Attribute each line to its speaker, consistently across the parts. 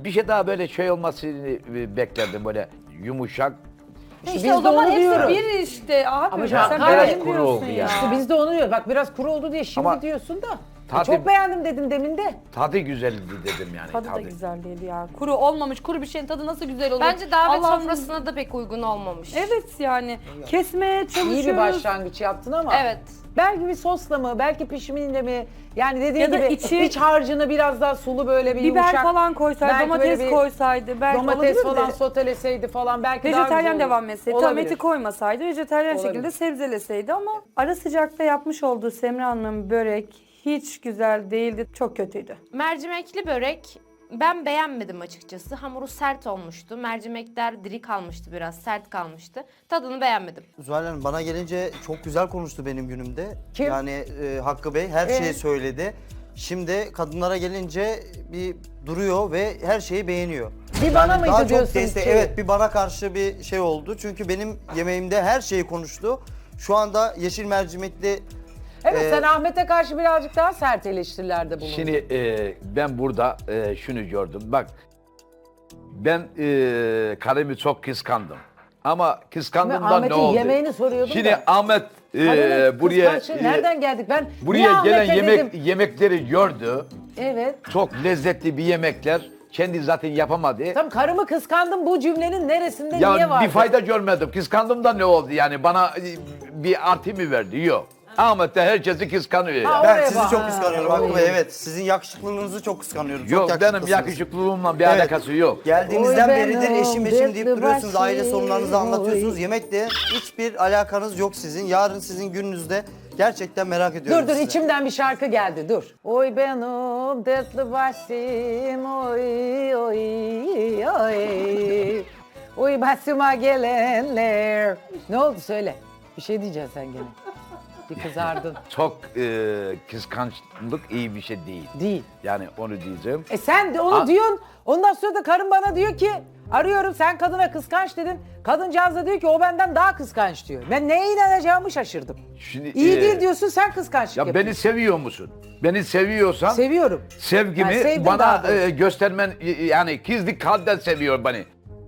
Speaker 1: bir şey daha böyle şey olmasını beklerdim böyle yumuşak.
Speaker 2: İşte
Speaker 3: biz
Speaker 2: o
Speaker 3: de
Speaker 2: zaman
Speaker 3: onu
Speaker 2: hepsi
Speaker 3: diyoruz.
Speaker 2: bir işte. Abi
Speaker 3: Ama
Speaker 2: sen
Speaker 3: biraz
Speaker 2: beğendin
Speaker 1: kuru
Speaker 2: diyorsun
Speaker 1: oldu
Speaker 2: ya.
Speaker 1: ya.
Speaker 3: İşte biz de onu diyoruz. Bak biraz kuru oldu diye şimdi
Speaker 1: Ama
Speaker 3: diyorsun da.
Speaker 1: tadı-
Speaker 3: Çok beğendim dedin demin de.
Speaker 1: Tadı güzeldi dedim yani.
Speaker 2: Tadı da güzel değil ya. Kuru olmamış. Kuru bir şeyin tadı nasıl güzel olur?
Speaker 4: Bence davet
Speaker 2: Allah'ım-
Speaker 4: sofrasına da pek uygun olmamış.
Speaker 2: Evet yani. Kesmeye çalışıyoruz.
Speaker 3: İyi bir başlangıç yaptın ama.
Speaker 4: Evet.
Speaker 3: Belki bir sosla mı, belki pişimiyle mi? Yani dediğin
Speaker 2: Ya da
Speaker 3: gibi
Speaker 2: içi-
Speaker 3: iç harcını biraz daha sulu böyle bir
Speaker 2: Biber
Speaker 3: yumuşak.
Speaker 2: falan koysaydı,
Speaker 3: belki
Speaker 2: domates
Speaker 3: böyle bir
Speaker 2: koysaydı. Belki
Speaker 3: domates
Speaker 2: olabilirdi.
Speaker 3: falan soteleseydi falan belki daha
Speaker 2: Vejeteryan
Speaker 3: güzel
Speaker 2: devam
Speaker 3: olur.
Speaker 2: etseydi. Tam
Speaker 3: Olabilir.
Speaker 2: eti koymasaydı vejeteryan
Speaker 3: Olabilir.
Speaker 2: şekilde sebzeleseydi ama ara sıcakta yapmış olduğu Semra Hanım'ın börek hiç güzel değildi. Çok kötüydü.
Speaker 4: Mercimekli börek ben beğenmedim açıkçası. Hamuru sert olmuştu. Mercimekler diri kalmıştı biraz, sert kalmıştı. Tadını beğenmedim.
Speaker 5: Zuhal Hanım bana gelince çok güzel konuştu benim günümde.
Speaker 3: Kim?
Speaker 5: Yani Hakkı Bey her şeyi söyledi. Şimdi kadınlara gelince bir duruyor ve her şeyi beğeniyor.
Speaker 3: Bir bana mıydı
Speaker 5: daha çok
Speaker 3: diyorsun
Speaker 5: destek,
Speaker 3: ki?
Speaker 5: evet bir bana karşı bir şey oldu. Çünkü benim yemeğimde her şeyi konuştu. Şu anda yeşil mercimekli
Speaker 3: Evet
Speaker 5: Ee,
Speaker 3: sen Ahmet'e karşı birazcık daha sert eleştirilerde bulundun.
Speaker 1: Şimdi ben burada şunu gördüm. Bak ben karımı çok kıskandım. Ama kıskandığımdan ne
Speaker 3: Ahmet'in
Speaker 1: oldu?
Speaker 3: yemeğini soruyordum
Speaker 1: Şimdi
Speaker 3: da.
Speaker 1: Ahmet
Speaker 3: Karının
Speaker 1: buraya
Speaker 3: kıskançlığı nereden geldik? Ben niye
Speaker 1: buraya gelen
Speaker 3: Ahmet'e dedim?
Speaker 1: yemekleri gördü.
Speaker 3: Evet.
Speaker 1: Çok lezzetli bir yemekler. Kendi zaten yapamadı.
Speaker 3: Tam karımı kıskandım bu cümlenin neresinde niye
Speaker 1: Ya
Speaker 3: var?
Speaker 1: bir fayda görmedim. Kıskandım da ne oldu yani? Bana bir artı mı verdi? Yok. Ahmet de herkesi kıskanıyor.
Speaker 3: Ha,
Speaker 1: ya.
Speaker 5: ben
Speaker 3: oraya
Speaker 5: sizi
Speaker 3: bak.
Speaker 5: çok kıskanıyorum Hakkı
Speaker 3: Oy.
Speaker 5: Bey. Evet sizin yakışıklılığınızı çok kıskanıyorum. Çok
Speaker 1: Yok benim
Speaker 5: yakışıklısınız.
Speaker 1: yakışıklılığımla bir
Speaker 5: Evet.
Speaker 1: alakası yok.
Speaker 5: Geldiğinizden
Speaker 3: Oy
Speaker 5: beridir
Speaker 3: benim
Speaker 5: eşim deyip
Speaker 3: dertli
Speaker 5: duruyorsunuz. Aile
Speaker 3: başım,
Speaker 5: sorunlarınızı anlatıyorsunuz.
Speaker 3: oy.
Speaker 5: Yemekle hiçbir alakanız yok sizin. Yarın sizin gününüzde gerçekten merak ediyorum
Speaker 3: Dur
Speaker 5: sizi.
Speaker 3: içimden bir şarkı geldi dur. Oy benim dertli başım oy oy oy. Oy başıma gelenler. Ne oldu söyle. Bir şey diyeceksin sen gene. Bir kızardın.
Speaker 1: Çok kıskançlık iyi bir şey değil.
Speaker 3: Değil.
Speaker 1: Yani onu diyeceğim.
Speaker 3: Sen de onu
Speaker 1: Aa.
Speaker 3: diyorsun. Ondan sonra da karın bana diyor ki arıyorum sen kadına kıskanç dedin. Kadıncağız da diyor ki o benden daha kıskanç diyor. Ben neye inanacağımı şaşırdım.
Speaker 1: Şimdi,
Speaker 3: İyi değil diyorsun sen kıskançlık
Speaker 1: Ya
Speaker 3: yapıyorsun.
Speaker 1: beni seviyor musun? Beni seviyorsan
Speaker 3: Seviyorum.
Speaker 1: sevgimi
Speaker 3: Ben sevdim
Speaker 1: bana
Speaker 3: daha doğrusu.
Speaker 1: göstermen yani gizli kalpten seviyor beni.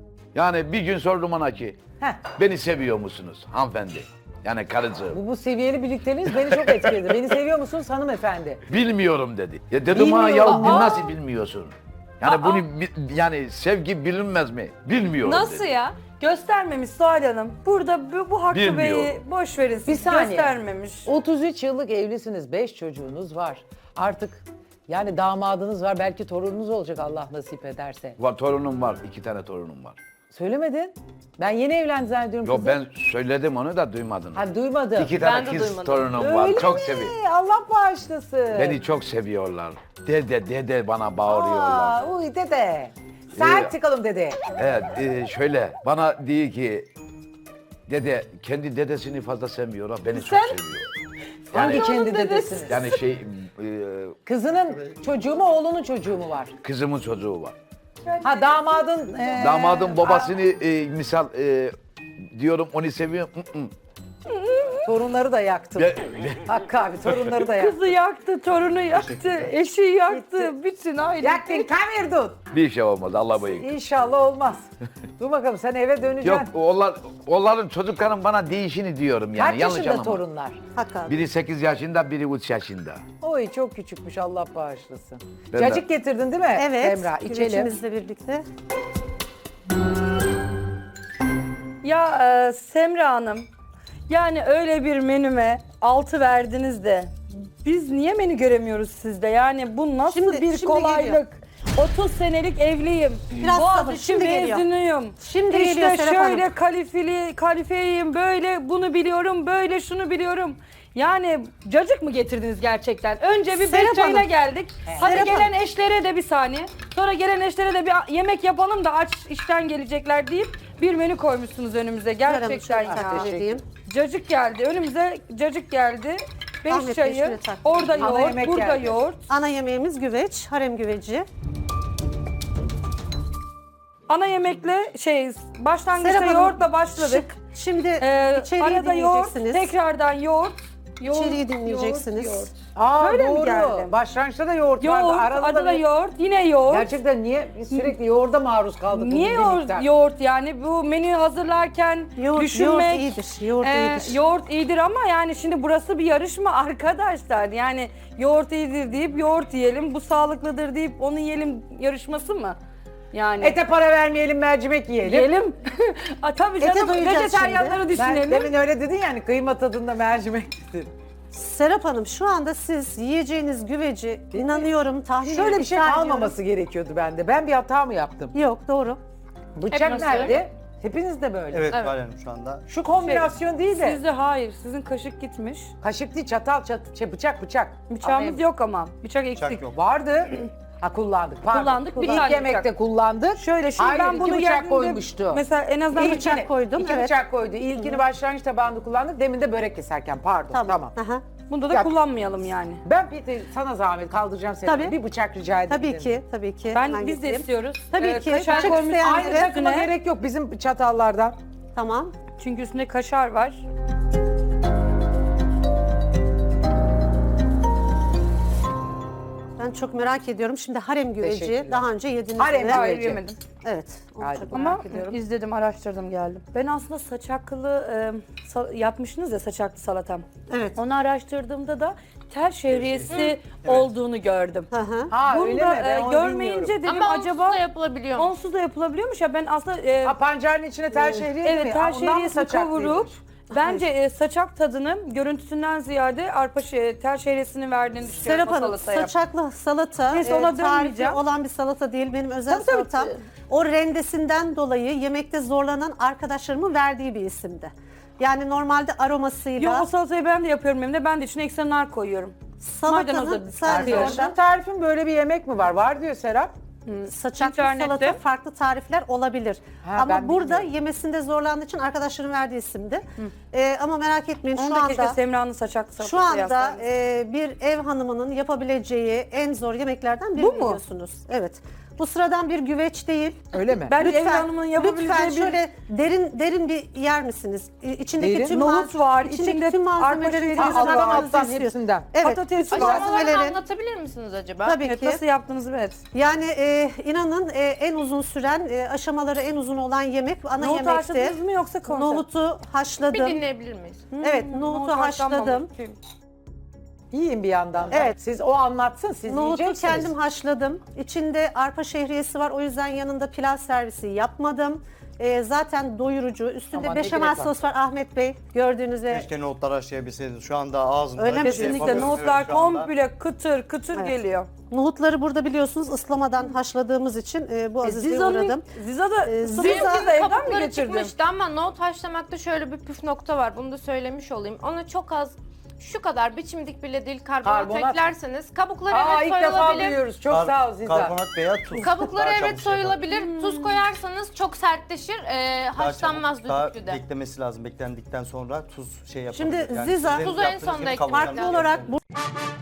Speaker 1: Yani bir gün sordum ona ki
Speaker 3: Heh.
Speaker 1: beni seviyor musunuz hanımefendi? Yani karıcığım.
Speaker 3: Bu seviyeli birlikteliğiniz beni çok etkiledi. Beni seviyor musunuz hanımefendi?
Speaker 1: Bilmiyorum dedi. Ya dedim ha ya
Speaker 3: Bilmiyorum.
Speaker 1: nasıl bilmiyorsun? Yani bunu yani sevgi bilinmez mi? Bilmiyorum
Speaker 4: Nasıl
Speaker 1: dedi.
Speaker 4: ya?
Speaker 2: Göstermemiş Suhal Hanım. Burada bu Hakkı
Speaker 1: Bilmiyorum.
Speaker 2: Bey'i boş verin siz.
Speaker 3: Bir saniye.
Speaker 2: Göstermemiş.
Speaker 3: 33 yıllık evlisiniz, 5 çocuğunuz var. Artık yani damadınız var, belki torununuz olacak Allah nasip ederse.
Speaker 1: Var, torunum var. 2 tane torunum var.
Speaker 3: Söylemedin. Ben yeni evlendim zannediyorum
Speaker 1: Yok
Speaker 3: kızım.
Speaker 1: ben söyledim onu da duymadın.
Speaker 3: Ha duymadım.
Speaker 1: 2 tane
Speaker 4: Ben de
Speaker 1: kız
Speaker 4: duymadım.
Speaker 1: torunum var.
Speaker 3: Öyle
Speaker 1: Çok
Speaker 3: mi?
Speaker 1: seviyor.
Speaker 3: Allah bağışlasın.
Speaker 1: Beni çok seviyorlar. Dede bana bağırıyorlar.
Speaker 3: Uy dede. Sert çıkalım dede.
Speaker 1: Evet şöyle bana diyor ki dede kendi dedesini fazla sevmiyor ama beni çok seviyor.
Speaker 3: Hangi kendi dedesini?
Speaker 1: Yani
Speaker 3: Kızının çocuğu mu oğlunun çocuğu mu var?
Speaker 1: kızımın çocuğu var.
Speaker 3: Ha damadın...
Speaker 1: Damadın babasını misal diyorum onu seviyorum.
Speaker 3: Torunları da yaktım. Hakkı abi torunları da yaktım.
Speaker 2: Kızı yaktı, torunu yaktı, eşi yaktı. Bütün aile.
Speaker 3: Yaktın kamerdun.
Speaker 1: Bir şey olmaz Allah bayık.
Speaker 3: İnşallah olmaz. Dur bakalım sen eve döneceksin.
Speaker 1: Yok onların çocukların bana değişini diyorum yani.
Speaker 3: Kaç
Speaker 1: Yanlış
Speaker 3: yaşında
Speaker 1: anlama.
Speaker 3: torunlar?
Speaker 2: Hakkı abi.
Speaker 1: Biri 8 yaşında biri 3 yaşında.
Speaker 3: Oy çok küçükmüş Allah bağışlasın.
Speaker 1: Ben de-
Speaker 3: Cacık getirdin değil mi?
Speaker 6: Evet,
Speaker 3: Emrah içelim.
Speaker 6: güvecimizle birlikte.
Speaker 2: Ya Semra Hanım, yani öyle bir menüme 6 verdiniz de biz niye menü göremiyoruz sizde? Yani bu nasıl
Speaker 6: Şimdi-
Speaker 2: bir
Speaker 6: şimdi
Speaker 2: kolaylık?
Speaker 6: geliyor.
Speaker 2: 30 senelik evliyim.
Speaker 6: Biraz sabır,
Speaker 2: Boğaziçi
Speaker 6: şimdi geliyor.
Speaker 2: mezunuyum.
Speaker 6: Şimdi
Speaker 2: işte
Speaker 6: geliyor Serap
Speaker 2: şöyle
Speaker 6: Hanım.
Speaker 2: kalifeyim, böyle bunu biliyorum, böyle şunu biliyorum. Yani cacık mı getirdiniz gerçekten? Önce bir
Speaker 6: Serap
Speaker 2: beş çayına
Speaker 6: Hanım.
Speaker 2: geldik. Hadi
Speaker 6: Serap
Speaker 2: gelen eşlere de bir saniye. Sonra gelen eşlere de bir yemek yapalım da aç işten gelecekler deyip bir menü koymuşsunuz önümüze. Gerçekten
Speaker 6: Şöyle
Speaker 2: ya.
Speaker 6: takdim edeyim.
Speaker 2: Cacık geldi. Önümüze cacık geldi. 5
Speaker 6: Ahmet Bey,
Speaker 2: çayı.
Speaker 6: şöyle takdim
Speaker 2: Orada
Speaker 6: edeyim.
Speaker 3: Ana
Speaker 2: yoğurt,
Speaker 3: yemek
Speaker 2: burada
Speaker 3: geldi.
Speaker 2: yoğurt.
Speaker 6: Ana yemeğimiz güveç, harem güveci.
Speaker 2: Ana yemekle başlangıçta
Speaker 6: Serap Hanım,
Speaker 2: yoğurtla başladık.
Speaker 6: Şimdi
Speaker 2: Ee,
Speaker 6: içeriği
Speaker 2: arada yoğurt,
Speaker 6: dinleyeceksiniz.
Speaker 2: tekrardan yoğurt.
Speaker 6: İçeriği dinleyeceksiniz.
Speaker 2: yoğurt.
Speaker 3: Aa
Speaker 2: Böyle mi
Speaker 3: doğru.
Speaker 2: geldi?
Speaker 3: Başlangıçta da yoğurt,
Speaker 2: Yoğurt,
Speaker 3: vardı. Arada
Speaker 2: adı da
Speaker 3: bir-
Speaker 2: yoğurt, yine yoğurt.
Speaker 3: Gerçekten niye biz sürekli yoğurda maruz kaldık? bu
Speaker 2: Niye
Speaker 3: güzellikten?
Speaker 2: yoğurt yani bu menüyü hazırlarken
Speaker 6: Yoğurt
Speaker 2: düşünmek
Speaker 6: iyidir. Yoğurt iyidir.
Speaker 2: yoğurt iyidir ama yani şimdi burası bir yarışma arkadaşlar. Yani yoğurt iyidir deyip yoğurt yiyelim, bu sağlıklıdır deyip onu yiyelim yarışması mı? Yani
Speaker 3: Ete para vermeyelim, mercimek yiyelim.
Speaker 2: yiyelim. Tabii
Speaker 6: Ete
Speaker 2: canım
Speaker 6: doyacağız
Speaker 2: vejetaryenleri
Speaker 6: şimdi.
Speaker 3: Ben
Speaker 2: düşünelim.
Speaker 3: demin öyle dedin yani kıyma tadında mercimek dedin.
Speaker 6: Serap Hanım şu anda siz yiyeceğiniz güveci inanıyorum tahmin
Speaker 3: Şöyle bir şey
Speaker 6: iddia ediyorum.
Speaker 3: kalmaması gerekiyordu bende. Ben bir hata mı yaptım?
Speaker 6: Yok doğru.
Speaker 3: Bıçak
Speaker 4: Hepimiz
Speaker 3: nerede? Hepiniz de böyle.
Speaker 5: Evet,
Speaker 4: Evet.
Speaker 5: Zuhal Hanım şu anda.
Speaker 3: Şu kombinasyon değil de.
Speaker 2: Sizde hayır, sizin kaşık gitmiş.
Speaker 3: Kaşık değil, çatal, bıçak.
Speaker 2: Bıçağımız
Speaker 3: Ama
Speaker 2: yok ama. Bıçak eksik.
Speaker 5: Bıçak yok.
Speaker 3: vardı. Ha kullandık. Pardon.
Speaker 2: Kullandık, bir
Speaker 3: İlk
Speaker 2: tane
Speaker 3: yemekte
Speaker 2: bıçak.
Speaker 3: kullandık.
Speaker 2: Şöyle şimdi
Speaker 3: Hayır,
Speaker 2: ben
Speaker 3: iki
Speaker 2: bunu
Speaker 3: bıçak
Speaker 2: yerdiğimde
Speaker 3: koymuştu.
Speaker 2: mesela en azından
Speaker 3: İlkini-
Speaker 6: bıçak koydum,
Speaker 3: İki
Speaker 6: evet.
Speaker 3: bıçak koydu. İlkini başlangıç tabağında kullandık. Demin de börek keserken pardon. Tamam.
Speaker 6: Aha.
Speaker 2: bunda da
Speaker 3: Ya-
Speaker 2: kullanmayalım yani.
Speaker 3: Ben bir sana zahmet kaldıracağım seni.
Speaker 6: Tabii.
Speaker 3: Bir bıçak rica ederim.
Speaker 6: Tabii ki, tabii ki.
Speaker 2: Ben
Speaker 6: Hemen
Speaker 2: biz de
Speaker 6: getireyim.
Speaker 2: istiyoruz.
Speaker 6: Tabii ki.
Speaker 2: Kaşar
Speaker 6: Bıçak
Speaker 2: koymuş
Speaker 6: isteyen-
Speaker 3: Aynı
Speaker 6: Evet,
Speaker 3: takıma
Speaker 2: üstüne.
Speaker 3: gerek yok bizim çatallardan.
Speaker 6: Tamam.
Speaker 2: Çünkü üstünde kaşar var.
Speaker 6: Ben çok merak ediyorum. Şimdi harem güveci
Speaker 3: Teşekkürler.
Speaker 6: daha önce yediniz
Speaker 3: Harem
Speaker 6: mi?
Speaker 2: Hayır
Speaker 3: güveci.
Speaker 2: yemedim.
Speaker 6: Evet. Onu
Speaker 3: Hadi
Speaker 6: çok
Speaker 2: Ama
Speaker 6: merak ediyorum.
Speaker 2: izledim, araştırdım, geldim. Ben aslında saçaklı yapmışsınız ya saçaklı salatam.
Speaker 6: Evet.
Speaker 2: Onu araştırdığımda da tel şehriyesi olduğunu gördüm.
Speaker 6: Hı hı.
Speaker 3: Ha
Speaker 2: Bunu
Speaker 3: öyle
Speaker 2: da
Speaker 3: mi? Ben onu
Speaker 2: görmeyince
Speaker 3: bilmiyorum.
Speaker 2: dedim
Speaker 4: Ama
Speaker 2: acaba
Speaker 4: acaba da yapılabiliyor mu?
Speaker 2: onsuz da yapılabiliyormuş ya ben aslında
Speaker 3: Ha pancarın içine tel şehriye değil mi?
Speaker 2: evet tel
Speaker 3: Ha, ondan mı
Speaker 2: şehriyesini
Speaker 3: saçaklıymış?
Speaker 2: kavurup bence saçak tadını görüntüsünden ziyade tel şehriyesini verdiğini düşünüyorum
Speaker 6: Serap
Speaker 2: o
Speaker 6: Hanım,
Speaker 2: salataya.
Speaker 6: saçaklı salata
Speaker 2: Neyse, ona
Speaker 6: tarifi
Speaker 2: dönmeyeceğim.
Speaker 6: olan bir salata değil. Benim özel
Speaker 3: Tabii, tabii.
Speaker 6: salatam. O rendesinden dolayı yemekte zorlanan arkadaşlarımın verdiği bir isimdi. Yani normalde aromasıyla
Speaker 2: Yok o salatayı ben de yapıyorum evimde. Ben de içine ekstra nar koyuyorum.
Speaker 6: salatanın
Speaker 2: maydanozu
Speaker 6: sadece
Speaker 3: Arkadaşların tarifin böyle bir yemek mi var? Var diyor Serap.
Speaker 6: saçaklı
Speaker 2: İnternette.
Speaker 6: salata farklı tarifler olabilir.
Speaker 3: Ha, ben
Speaker 6: Ama burada
Speaker 3: bilmiyorum.
Speaker 6: yemesinde zorlandığı için arkadaşlarım verdiği isimdi. Ama merak etmeyin
Speaker 2: Onu
Speaker 6: şu
Speaker 2: da keşke
Speaker 6: anda
Speaker 2: Semra'nın saçaklı salatası
Speaker 6: şu anda
Speaker 2: yazsaydınız.
Speaker 6: bir ev hanımının yapabileceği en zor yemeklerden biri
Speaker 2: Bu mu?
Speaker 6: biliyorsunuz. Evet. Bu sıradan bir güveç değil.
Speaker 3: Öyle mi?
Speaker 2: Ben ev
Speaker 6: Lütfen,
Speaker 2: hanımının yapabileceği
Speaker 6: lütfen
Speaker 2: bir
Speaker 6: şöyle derin bir yer misiniz? İçindeki
Speaker 3: Derin.
Speaker 6: tüm
Speaker 2: Nohut var,
Speaker 6: içindeki
Speaker 2: içinde
Speaker 6: tüm malzemeleri
Speaker 2: arpa
Speaker 6: tadına
Speaker 2: şehriyesi
Speaker 3: alttan
Speaker 2: var.
Speaker 6: bakmanızı
Speaker 3: alttan
Speaker 6: istiyorum.
Speaker 3: hepsinden.
Speaker 6: Evet.
Speaker 2: Patates var.
Speaker 4: Aşamalarını
Speaker 6: malzemeleri.
Speaker 4: anlatabilir misiniz acaba?
Speaker 6: Tabii
Speaker 2: Evet,
Speaker 6: ki.
Speaker 2: nasıl yaptınız evet.
Speaker 6: Yani inanın en uzun süren, aşamaları en uzun olan yemek ana
Speaker 2: Nohut
Speaker 6: yemekti.
Speaker 2: haşladınız mı yoksa konserve?
Speaker 6: Nohutu
Speaker 4: Bir
Speaker 6: haşladım.
Speaker 4: dinleyebilir miyiz?
Speaker 6: Evet, nohutu
Speaker 2: haşlanmamış.
Speaker 6: haşladım.
Speaker 3: Yiyin bir yandan da.
Speaker 6: Evet.
Speaker 3: Siz o anlatsın, siz
Speaker 6: Nohutu
Speaker 3: yiyeceksiniz.
Speaker 6: kendim haşladım. İçinde arpa şehriyesi var. O yüzden yanında pilav servisi yapmadım. Zaten doyurucu. Üstünde
Speaker 3: Aman ne
Speaker 6: beşamel
Speaker 3: gerek var.
Speaker 6: sos var Ahmet Bey. Gördüğünüz üzere.
Speaker 5: Keşke nohutlar haşlayabilseydiniz. Şu anda ağzımda.
Speaker 6: Öyle mi?
Speaker 2: Kesinlikle
Speaker 5: Yapamıyorum
Speaker 2: nohutlar
Speaker 5: şu anda.
Speaker 2: komple kıtır kıtır
Speaker 6: Evet.
Speaker 2: geliyor.
Speaker 6: Nohutları burada biliyorsunuz ıslamadan haşladığımız için bu azizliğe uğradım.
Speaker 2: Ziza da
Speaker 6: Ziza-
Speaker 2: Ziza da evden mi
Speaker 4: Kabukları
Speaker 2: getirdin?
Speaker 4: çıkmıştı ama nohut haşlamakta şöyle bir püf nokta var. Bunu da söylemiş olayım. Ona çok az şu kadar biçimdik bile değil karbonat
Speaker 3: Karbonat.
Speaker 4: eklerseniz kabukları
Speaker 3: Aa
Speaker 4: evet
Speaker 3: ilk defa
Speaker 4: soyulabilir.
Speaker 3: duyuyoruz. Çok sağ ol Ziza.
Speaker 5: Karbonat veya tuz.
Speaker 4: Kabukları
Speaker 5: Daha
Speaker 4: evet
Speaker 5: çabuk şey yapar.
Speaker 4: soyulabilir. Tuz koyarsanız çok sertleşir.
Speaker 5: Daha
Speaker 4: Haşlanmaz
Speaker 5: çabuk, daha
Speaker 4: düdüklüde.
Speaker 5: beklemesi lazım. Beklendikten sonra tuz şey yapabilir.
Speaker 6: Şimdi
Speaker 5: Yani
Speaker 6: Ziza-
Speaker 5: sizin
Speaker 4: Tuzu en
Speaker 5: yaptığınız
Speaker 4: sonda
Speaker 5: gibi
Speaker 4: eklemek
Speaker 5: kavurmanız
Speaker 6: Farklı
Speaker 4: lazım.
Speaker 6: olarak bu